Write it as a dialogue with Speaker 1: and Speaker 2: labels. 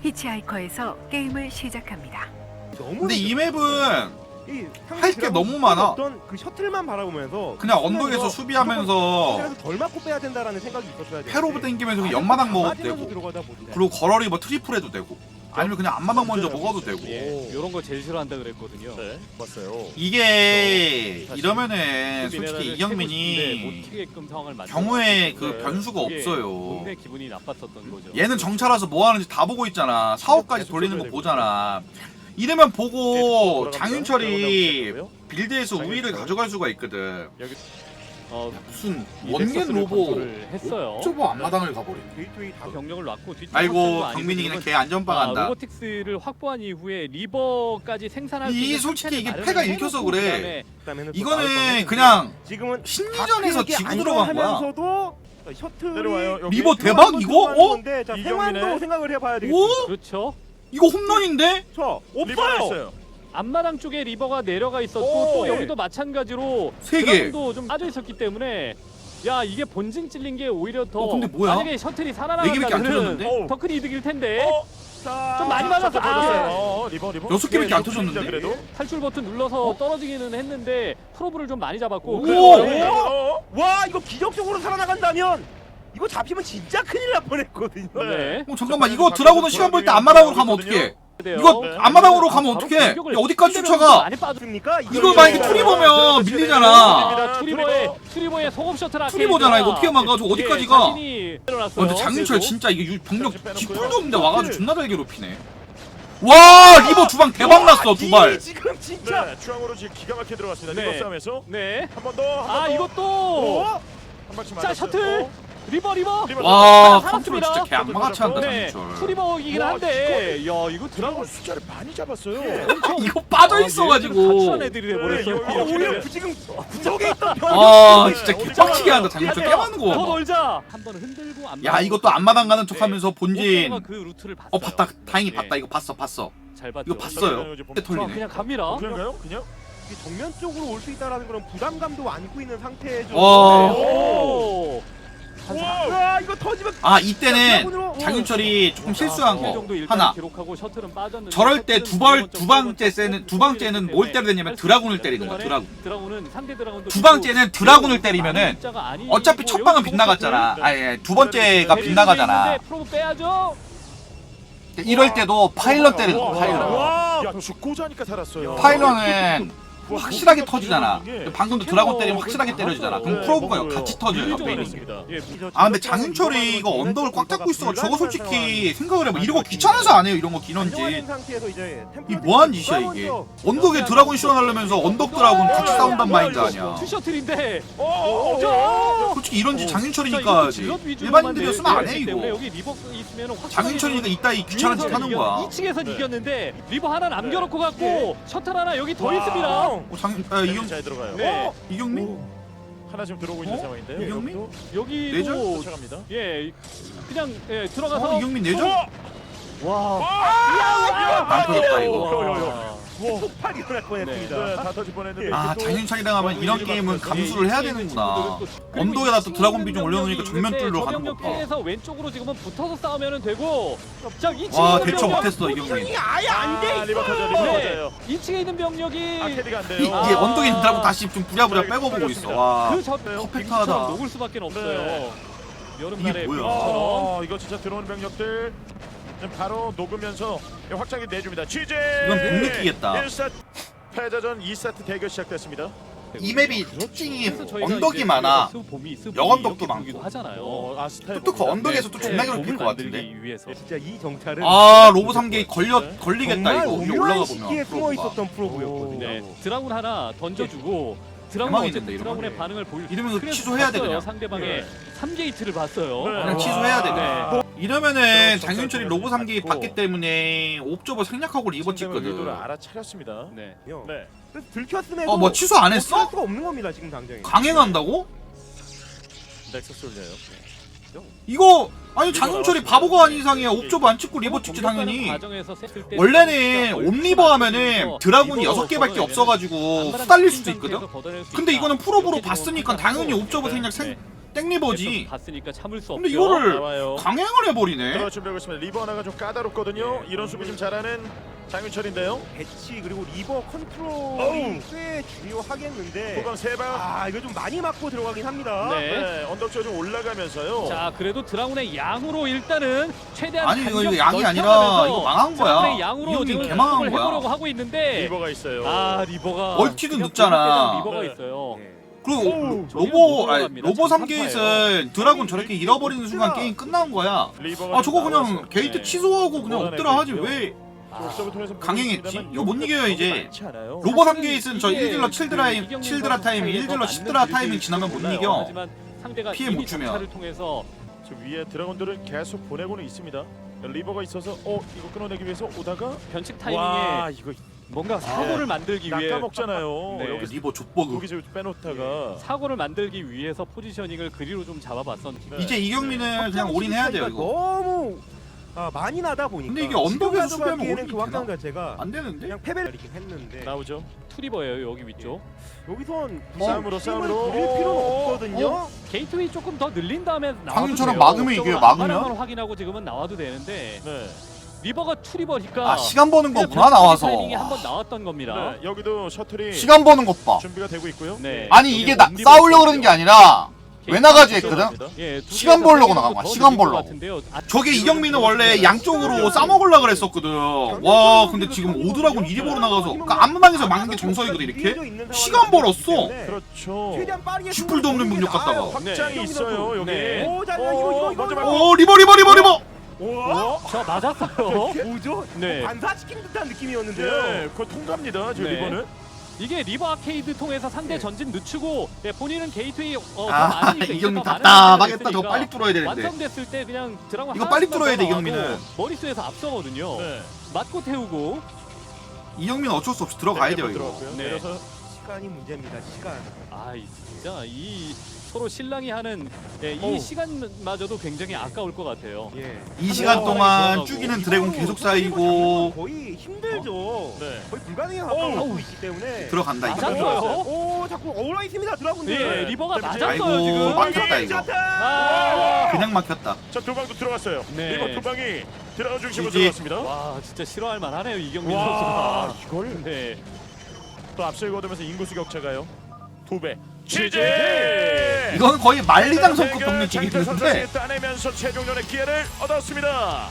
Speaker 1: 히치하이커에서 게임을 시작합니다.
Speaker 2: 근데 이 맵은 할 게 너무 많아.
Speaker 3: 어떤 그 셔틀만 바라보면서
Speaker 2: 그냥 언덕에서 수비하면서
Speaker 3: 그래서 덜 맞고 빼야 된다라는 생각이 있었어야 돼.
Speaker 2: 패로브 땡기면서 연마당 먹어도 되고, 그리고 걸어리 뭐 트리플 해도 되고, 아니면 그냥 앞마당 먼저 먹어도 되고.
Speaker 4: 이런 거 제일 싫어한다 그랬거든요.
Speaker 5: 네, 봤어요.
Speaker 2: 이게 이러면은 솔직히
Speaker 4: 못
Speaker 2: 이경민이
Speaker 4: 튀게끔 상황을 만들어.
Speaker 2: 경우에 그
Speaker 5: 네.
Speaker 2: 변수가 없어요.
Speaker 4: 동네 기분이 나빴었던 거죠.
Speaker 2: 얘는 정찰와서 뭐 하는지 다 보고 있잖아. 사업까지 돌리는 거 보잖아. 이러면 보고 장윤철이 빌드에서 우위를 가져갈 수가 있거든.
Speaker 5: 여기
Speaker 2: 무슨
Speaker 4: 이데스
Speaker 2: 원겐 로보
Speaker 4: 컨트롤을 했어요.
Speaker 2: 좁아 앞마당을 가버리네.
Speaker 3: 게이트웨이 다
Speaker 4: 병력을 놨고 뒤.
Speaker 2: 아이고 경민이 그냥 개 안전빵 한다.
Speaker 4: 로보틱스를 확보한 이후에 리버까지 생산할 수
Speaker 2: 이
Speaker 4: 있는
Speaker 2: 솔직히 이게
Speaker 4: 상태를
Speaker 2: 패가
Speaker 4: 마련을
Speaker 2: 읽혀서
Speaker 4: 해놓고
Speaker 2: 그래.
Speaker 3: 그다음에는 또
Speaker 2: 이거는
Speaker 3: 나올
Speaker 2: 그냥
Speaker 3: 지금은
Speaker 2: 심리전에서
Speaker 3: 다크에게
Speaker 2: 지고 들어간 거야.
Speaker 3: 안정하면서도 셔틀이
Speaker 5: 내려와요. 여기.
Speaker 2: 리버 대박 이거? 어?
Speaker 3: 자,
Speaker 5: 이경민의-
Speaker 3: 생환도 생각을 해봐야
Speaker 2: 오?
Speaker 3: 되겠습니다.
Speaker 4: 그렇죠.
Speaker 2: 이거 홈런인데?
Speaker 3: 저
Speaker 5: 리버가
Speaker 3: 없어요.
Speaker 5: 있어요.
Speaker 4: 앞마당 쪽에 리버가 내려가 있었고
Speaker 5: 오,
Speaker 4: 또
Speaker 5: 예.
Speaker 4: 여기도 마찬가지로
Speaker 2: 세 개.
Speaker 4: 드라군도 좀 빠져 있었기 때문에 야 이게 본진 찔린 게 오히려 더
Speaker 2: 근데 뭐야?
Speaker 4: 만약에 셔틀이
Speaker 2: 네 개밖에 안
Speaker 4: 살아나가면
Speaker 2: 터졌는데?
Speaker 4: 더 큰 이득일 텐데
Speaker 3: 자,
Speaker 4: 좀 많이 맞았어.
Speaker 5: 리버.
Speaker 2: 여섯 개밖에 안
Speaker 5: 네,
Speaker 2: 터졌는데?
Speaker 5: 그래도.
Speaker 4: 탈출 버튼 눌러서 떨어지기는 했는데 프로브를 좀 많이 잡았고
Speaker 2: 오!
Speaker 4: 그래서
Speaker 3: 와 이거 기적적으로 살아나간다면 이거 잡히면 진짜 큰일 날 뻔했거든요.
Speaker 4: 네.
Speaker 2: 잠깐만 이거 드라곤은 시간 볼 때 앞마당으로 가면 어떡해?
Speaker 4: 돼요.
Speaker 2: 이거
Speaker 5: 네.
Speaker 2: 앞마당으로 가면
Speaker 4: 바로
Speaker 2: 어떡해? 야,
Speaker 4: 공격을
Speaker 2: 어디까지
Speaker 4: 상대방도
Speaker 2: 쫓아가?
Speaker 4: 많이 빠져.
Speaker 3: 맞습니까?
Speaker 2: 이거 만약에 투리 보면 밀리잖아.
Speaker 4: 아, 투리버의 소금 셔틀 아케이드가
Speaker 2: 투리버잖아 이거 어떻게 막아? 저 어디까지 가?
Speaker 4: 자신이 일어났어요.
Speaker 2: 근데 장윤철
Speaker 4: 그래도.
Speaker 2: 진짜 이게 병력 뒷풀도 없는데 와가지고 존나 잘 괴롭히네. 와 리버 두 방 대박 났어 두 발.
Speaker 3: 지금 진짜
Speaker 5: 네, 중앙으로 지금 기가 막히게 들어갔습니다.
Speaker 4: 네.
Speaker 5: 리버 싸움에서
Speaker 4: 네.
Speaker 5: 한 번 더.
Speaker 4: 아 이것도
Speaker 5: 한 방씩
Speaker 4: 자
Speaker 5: 맞았어요.
Speaker 4: 셔틀 리버
Speaker 2: 와
Speaker 4: 살았습니다.
Speaker 2: 컨트롤 진짜 개 악마같이 한다
Speaker 4: 네.
Speaker 2: 장윤철.
Speaker 4: 투리버이긴
Speaker 5: 와,
Speaker 4: 한데 야 이거
Speaker 5: 드라곤 숫자를 많이 잡았어요.
Speaker 2: 이거 빠져 있어가지고.
Speaker 4: 같이한 애들이 돼버렸어요.
Speaker 5: 네,
Speaker 3: 오히려 지금 구석에 있던
Speaker 2: 아 진짜 개빡치게 한다 장윤철 개 많은 거
Speaker 4: 더
Speaker 2: 봐봐.
Speaker 4: 놀자. 한 번 흔들고 안
Speaker 2: 야 이것도 앞마당 가는 척하면서
Speaker 4: 네.
Speaker 2: 본진.
Speaker 4: 그 루트를 봤어요.
Speaker 2: 봤다 다행히
Speaker 4: 네.
Speaker 2: 봤다 이거 봤어.
Speaker 4: 잘 봤죠.
Speaker 2: 이거 봤어요. 그때 털리네.
Speaker 4: 그냥 갑니다.
Speaker 5: 그런가요? 그냥?
Speaker 3: 정면 쪽으로 올 수 있다라는 그런 부담감도 안고 있는 상태죠.
Speaker 2: 와.
Speaker 4: 오.
Speaker 3: 와 이거 터지면
Speaker 2: 아 이때는 장윤철이 조금 실수한 거
Speaker 4: 정도 일단
Speaker 2: 하나.
Speaker 4: 기록하고 셔틀은 빠졌는데
Speaker 2: 저럴 때
Speaker 4: 셔틀은
Speaker 2: 두 번째는 뭘 때려야 되냐면 드라군을 때리는 거야.
Speaker 4: 드라군은 상대 드라군도
Speaker 2: 두 번째는 드라군을 때리면은 어차피 첫 방은 빗나갔잖아. 아예 두 번째가 빗나가잖아.
Speaker 4: 프로브 빼야죠.
Speaker 2: 이럴 때도 파일럿 때리는 거 파일럿.
Speaker 5: 와, 야 죽고자 하니까 살았어요.
Speaker 2: 파일럿은 확실하게 터지잖아.
Speaker 5: 예.
Speaker 2: 방금도 드라군 때리면 확실하게 때려지잖아. 그럼 프로브가 같이 터져요. 옆에 있는 게. 아 근데 장윤철이 이거 언덕을 꽉 잡고 있어. 저거 솔직히 생각을 해봐. 이러고 귀찮아서 안 해요. 이런 거 기넌지. 이 뭐한 짓이야 이게. 언덕에 드라군 씌워놓으면서 언덕 드라군 같이 싸운단 마인드 아니야.
Speaker 4: 투 셔틀인데.
Speaker 2: 솔직히 이런 짓 장윤철이니까 하지. 일반인들이었으면 안 해 이거.
Speaker 4: 여기 리버 있으면
Speaker 2: 장윤철이니까 이따 귀찮은 짓 하는 거야.
Speaker 4: 2층에서 이겼는데 리버 하나 남겨놓고 갔고 셔틀 하나 여기 더 있습니다.
Speaker 2: 이경
Speaker 5: 잘 들어가요.
Speaker 4: 네.
Speaker 2: 이경민?
Speaker 5: 하나 지금 들어오고 있는 상황인데요.
Speaker 2: 이경민?
Speaker 4: 여기도
Speaker 2: 내전?
Speaker 5: 쫓아갑니다.
Speaker 4: 예 그냥 들어가서
Speaker 2: 이경민 내죠?
Speaker 4: 와.
Speaker 2: 안 터졌다 이거.
Speaker 3: 폭발 일어날 뻔했습니다.
Speaker 5: 네, 다 터질 뻔했는데.
Speaker 2: 아 장윤철이랑 하면 이런 게임은 감수를 해야 되는구나. 언덕에다 또 드라곤 비중 올려놓으니까 정면 뚫러 가는 거 봐.
Speaker 4: 피해서 왼쪽으로 지금은 붙어서 싸우면 되고 자 2층에
Speaker 2: 와
Speaker 4: 있는
Speaker 2: 대처
Speaker 4: 병력,
Speaker 2: 못했어 이경민.
Speaker 3: 아예 안돼
Speaker 5: 리버 터져,
Speaker 3: 있어요.
Speaker 5: 리버
Speaker 4: 네.
Speaker 5: 터져요.
Speaker 4: 2층에 있는 병력이
Speaker 5: 아케디가 안 돼요.
Speaker 2: 이게 언덕에 있는 드라곤 다시 좀 부랴부랴 빼고 보고 있어. 와
Speaker 4: 그저
Speaker 2: 퍼펙트하다.
Speaker 4: 녹을 수밖에 없어요.
Speaker 5: 네.
Speaker 4: 여름날에
Speaker 2: 이게 뭐야?
Speaker 4: 처럼
Speaker 5: 이거 진짜 들어오는 병력들 지금 바로 녹으면서 확장이 내줍니다. 취재.
Speaker 2: 이건 못 느끼겠다.
Speaker 5: 1세트 패자전 2세트 대결 시작됐습니다.
Speaker 2: 이 맵이 특징이
Speaker 4: 그래서 저희가
Speaker 2: 언덕이
Speaker 4: 이제
Speaker 2: 많아.
Speaker 4: 봄이
Speaker 2: 영언덕도
Speaker 4: 이렇게
Speaker 2: 많고.
Speaker 4: 보기도 하잖아요.
Speaker 5: 스타일
Speaker 2: 또 그 언덕에서 또 존나
Speaker 4: 네,
Speaker 2: 괴롭힐
Speaker 4: 봄을
Speaker 2: 것 같은데.
Speaker 4: 만들기 위해서.
Speaker 3: 진짜 이 정찰은
Speaker 2: 아 로보 3개 걸리겠다
Speaker 3: 정말
Speaker 2: 이거. 위에
Speaker 3: 오묘한
Speaker 2: 올라가
Speaker 3: 시기에
Speaker 2: 보면.
Speaker 3: 숨어 있었던 프로브였거든요.
Speaker 4: 네, 드라군 하나 던져주고 드라군
Speaker 2: 대망이겠네,
Speaker 4: 어쨌든
Speaker 2: 이러면.
Speaker 4: 드라군의 반응을 보일.
Speaker 2: 이러면서
Speaker 4: 그래서
Speaker 2: 취소해야 돼,
Speaker 4: 봤어요.
Speaker 2: 그냥.
Speaker 4: 상대방의 3게이트를 봤어요.
Speaker 5: 네.
Speaker 2: 그냥 취소해야 돼 그냥. 이러면은
Speaker 5: 저
Speaker 2: 장윤철이 로보 3개 받기 때문에 옵저버 생략하고 리버
Speaker 5: 의도를
Speaker 2: 찍거든.
Speaker 5: 알아차렸습니다.
Speaker 4: 네.
Speaker 5: 네.
Speaker 3: 그래서 들켰음에도
Speaker 2: 뭐 취소 안 했어?
Speaker 3: 할 수가 없는 겁니다 지금 당장에.
Speaker 2: 강행한다고?
Speaker 5: 넥서스 올려요.
Speaker 2: 이거 아니 장윤철이 바보가 아닌 이상이야. 옵저버 안 찍고 리버 찍지 당연히. 원래는 옴리버 하면은 드라군이 6개밖에 없어가지고 후달릴 수도 있거든? 근데 이거는 프로브로 봤으니까 당연히 옵저버 생략 땡리버지.
Speaker 4: 봤으니까 참을 수 없죠.
Speaker 2: 근데 이거를
Speaker 5: 나와요.
Speaker 2: 강행을 해버리네.
Speaker 5: 들어갈 준비하고 있습니다. 리버 하나가 좀 까다롭거든요.
Speaker 3: 네.
Speaker 5: 이런 수비 좀 잘하는 장윤철인데요.
Speaker 3: 배치 그리고 리버 컨트롤이 꽤 중요하겠는데
Speaker 5: 후방 3방.
Speaker 3: 아 이거 좀 많이 맞고 들어가긴 합니다.
Speaker 4: 네.
Speaker 5: 네, 언덕 쪽좀 올라가면서요.
Speaker 4: 자, 그래도 드라군의 양으로 일단은 최대한
Speaker 2: 아니 이거
Speaker 4: 간격
Speaker 2: 양이 아니라
Speaker 4: 넓혀가면서
Speaker 2: 이거 망한
Speaker 4: 드라군의
Speaker 2: 거야.
Speaker 4: 양으로
Speaker 2: 이형님
Speaker 4: 지금
Speaker 2: 개망한
Speaker 4: 공격을 해보려고
Speaker 2: 거야.
Speaker 4: 하고 있는데
Speaker 5: 리버가 있어요.
Speaker 4: 아, 리버가
Speaker 2: 얼티도
Speaker 4: 그냥
Speaker 2: 늦잖아.
Speaker 4: 리버가
Speaker 5: 네.
Speaker 4: 있어요.
Speaker 3: 네.
Speaker 2: 그리고
Speaker 4: 저기
Speaker 2: 로보
Speaker 4: 올라갑니다.
Speaker 2: 로보
Speaker 4: 지금
Speaker 2: 3게이트는 드라군 저렇게 잃어버리는 순간 게임 끝난 거야.
Speaker 5: 리버가
Speaker 2: 아 저거
Speaker 5: 좀
Speaker 2: 그냥
Speaker 5: 나와서,
Speaker 2: 게이트
Speaker 5: 네.
Speaker 2: 취소하고 그냥
Speaker 5: 몰아내고
Speaker 2: 엎드려 하지
Speaker 5: 있고요.
Speaker 2: 왜
Speaker 5: 옵션을 통해서
Speaker 2: 강행했지?
Speaker 5: 보여줍니다만
Speaker 2: 이거 못 이겨요, 이제.
Speaker 5: 많지 않아요.
Speaker 2: 로보
Speaker 4: 사실은
Speaker 2: 3게이트는 저
Speaker 4: 이게
Speaker 2: 1딜러 7드라 타이밍, 1딜러 10드라 타이밍 지나면 못
Speaker 4: 몰라요.
Speaker 2: 이겨.
Speaker 4: 하지만 상대가
Speaker 2: 피해
Speaker 4: 이미
Speaker 2: 못 주면.
Speaker 4: 정찰을 통해서
Speaker 5: 저 위에 드래곤들을 계속 보내고는 있습니다. 리버가 있어서 이거 끊어내기 위해서 오다가
Speaker 4: 변칙
Speaker 5: 와
Speaker 4: 타이밍에
Speaker 5: 이거
Speaker 4: 뭔가 사고를 만들기 위해
Speaker 5: 낚아먹잖아요.
Speaker 4: 네.
Speaker 5: 여기
Speaker 2: 리버 족버그.
Speaker 5: 여기서 빼놓다가
Speaker 4: 사고를 만들기 위해서 포지셔닝을 그리로 좀 잡아봤었는데
Speaker 5: 네.
Speaker 2: 이제 이경민은 그냥 올인해야 돼요 이거.
Speaker 3: 너무 많이 나다 보니까.
Speaker 2: 근데 이게 언덕에서
Speaker 3: 지금
Speaker 2: 수비하면
Speaker 3: 가져가기에는
Speaker 2: 올인이
Speaker 3: 그 확장
Speaker 2: 되나?
Speaker 3: 자체가
Speaker 2: 안 되는데?
Speaker 3: 그냥 패배를 이긴 했는데
Speaker 5: 나오죠.
Speaker 4: 투리버예요 여기 위쪽.
Speaker 3: 여기선
Speaker 5: 싸움으로 싸움으로.
Speaker 3: 그릴 필요는 없거든요.
Speaker 4: 게이트웨이 조금 더 늘린 다음에 나와도
Speaker 2: 장윤철은
Speaker 4: 돼요.
Speaker 2: 막으면 이겨요,
Speaker 4: 저걸
Speaker 2: 막으면.
Speaker 4: 안마랑을 확인하고 지금은 나와도 되는데
Speaker 5: 네.
Speaker 4: 리버가 투리버니까
Speaker 2: 아 시간 버는
Speaker 4: 그냥
Speaker 2: 거구나
Speaker 4: 변칙
Speaker 2: 나와서.
Speaker 4: 타이밍이 한번 나왔던 겁니다.
Speaker 5: 네. 여기도 셔틀이
Speaker 2: 시간 버는 것 봐.
Speaker 5: 준비가 되고 있고요.
Speaker 4: 네.
Speaker 2: 아니 이게 싸우려고 그러는 게 아니라 왜 나가지 했거든?
Speaker 4: 예,
Speaker 2: 시간 벌려고 나간 거야,
Speaker 4: 더
Speaker 2: 시간
Speaker 4: 늘릴 것
Speaker 2: 벌려고.
Speaker 4: 같은데요. 아,
Speaker 2: 저게 이경민은 원래 양쪽으로 싸먹으려고 그랬었거든. 와 근데 지금 오드라군 이리 보러 나가서 그러니까 앞마당에서 막는 게 정석이거든 이렇게. 시간 벌었어.
Speaker 5: 그렇죠.
Speaker 3: 최대한 빠르게
Speaker 2: 슈플도 없는 능력 갖다가.
Speaker 5: 확장이
Speaker 4: 네.
Speaker 5: 있어요 여기.
Speaker 4: 네.
Speaker 3: 오, 자, 이거
Speaker 5: 먼저
Speaker 3: 이거.
Speaker 5: 말고.
Speaker 2: 오 리버.
Speaker 3: 와,
Speaker 4: 저 맞았어요.
Speaker 3: 뭐죠?
Speaker 4: 네.
Speaker 3: 반사시킨 듯한 느낌이었는데요.
Speaker 5: 네, 그거 통과입니다. 저
Speaker 4: 네.
Speaker 5: 리버는.
Speaker 4: 이게 리버 아케이드 통해서 상대 전진 늦추고 본인은 게이트웨이 더
Speaker 2: 아
Speaker 4: 많으니까 이제
Speaker 2: 이경민
Speaker 4: 더 많은
Speaker 2: 답답하겠다.
Speaker 4: 시간이
Speaker 2: 저거 빨리 뚫어야 되는데.
Speaker 4: 완성됐을 때 그냥 드라곤
Speaker 2: 이거
Speaker 4: 하나씩만
Speaker 2: 빨리 뚫어야 돼,
Speaker 4: 더
Speaker 2: 이경민은.
Speaker 4: 나와도 머릿수에서 앞서거든요.
Speaker 5: 네.
Speaker 4: 맞고 태우고
Speaker 2: 이경민 어쩔 수 없이 들어가야 돼요 이거.
Speaker 5: 들어갔고요.
Speaker 4: 네.
Speaker 5: 내려서
Speaker 3: 시간이 문제입니다. 시간.
Speaker 4: 진짜 이 서로 신랑이 하는 이
Speaker 5: 어우.
Speaker 4: 시간마저도 굉장히 아까울 것 같아요.
Speaker 3: 예.
Speaker 2: 이 시간 동안
Speaker 4: 들어가고.
Speaker 2: 죽이는 드래곤 계속 쌓이고
Speaker 3: 거의 힘들죠.
Speaker 5: 네.
Speaker 3: 거의 불가능에 가까워 있기 때문에.
Speaker 2: 들어간다 이거.
Speaker 4: 맞았어요.
Speaker 3: 오, 자꾸 어울러 있습니다. 드라군들.
Speaker 4: 예, 리버가
Speaker 5: 때문에.
Speaker 4: 맞았어요
Speaker 2: 아이고,
Speaker 4: 지금.
Speaker 2: 막혔다 이거.
Speaker 4: 아,
Speaker 2: 그냥 막혔다.
Speaker 5: 자, 두 방도 들어갔어요.
Speaker 4: 네.
Speaker 5: 리버 두 방이 들어가 중심으로
Speaker 2: 지지.
Speaker 5: 들어갔습니다.
Speaker 4: 와 진짜 싫어할 만하네요 이경민
Speaker 5: 와,
Speaker 4: 선수가.
Speaker 5: 이걸
Speaker 4: 네.
Speaker 5: 또 앞서고 얻으면서 인구수 격차가요. 2배.
Speaker 2: 이건 거의 만리장 성급 병력
Speaker 5: 장철
Speaker 2: 찍이는데
Speaker 5: 선수가 따내면서 최종전의 기회를 얻었습니다.